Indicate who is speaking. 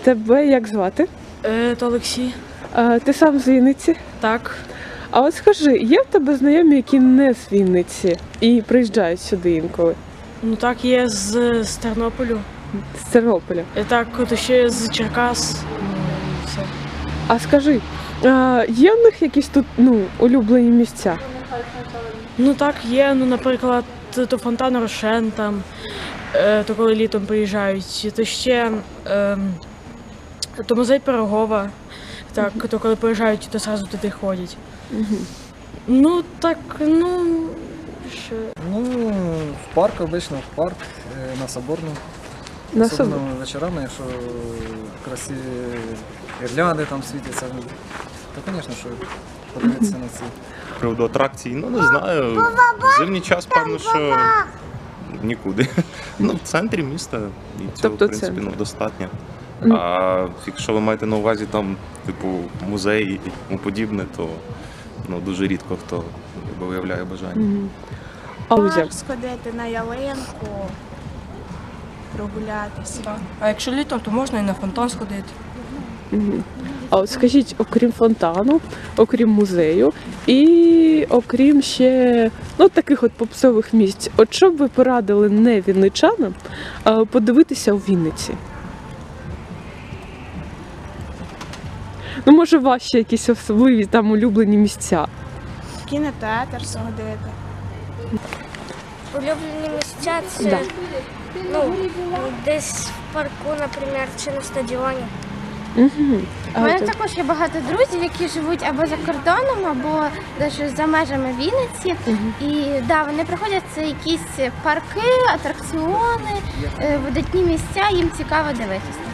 Speaker 1: Тебе як звати?
Speaker 2: То Олексій.
Speaker 1: Ти сам з Вінниці?
Speaker 2: Так.
Speaker 1: А от скажи, є в тебе знайомі, які не з Вінниці і приїжджають сюди інколи?
Speaker 2: Ну так, є з Тернополю.
Speaker 1: З Тернополя.
Speaker 2: Так, то ще з Черкас. Все.
Speaker 1: А скажи, є в них якісь тут улюблені місця?
Speaker 2: Ну так, є, наприклад, то фонтан Рошен там, то коли літом приїжджають, то ще то музей Пирогова, так, то коли приїжджають, то одразу туди ходять. Ну так, ще.
Speaker 3: В парк обично, в парк, на Соборну.
Speaker 1: На
Speaker 3: Особливо
Speaker 1: Соборну.
Speaker 3: вечорами, якщо красиві гірлянди там світяться, то, звісно, що подивитися на ці.
Speaker 4: З приводу атракцій, не знаю. В зимній час, певно, що нікуди. В центрі міста і цього,
Speaker 1: Тобто
Speaker 4: в принципі,
Speaker 1: центр.
Speaker 4: достатньо. А якщо ви маєте на увазі там, типу, музей і тому подібне, то дуже рідко хто виявляє бажання.
Speaker 1: А Лузя?
Speaker 5: Парк сходити на ялинку, прогулятися.
Speaker 6: А якщо літом, то можна і на фонтан сходити.
Speaker 1: А от скажіть, окрім фонтану, окрім музею і окрім ще таких от попсових місць, от що б ви порадили не вінничанам подивитися у Вінниці? Може, у вас ще якісь особливі там улюблені місця?
Speaker 5: В кінотеатр сходити.
Speaker 7: Улюблені місця це десь в парку, наприклад, чи на стадіоні.
Speaker 8: У мене також є багато друзів, які живуть або за кордоном, або навіть за межами Вінниці. І вони приходять, це якісь парки, атракціони, видатні місця, їм цікаво дивитися.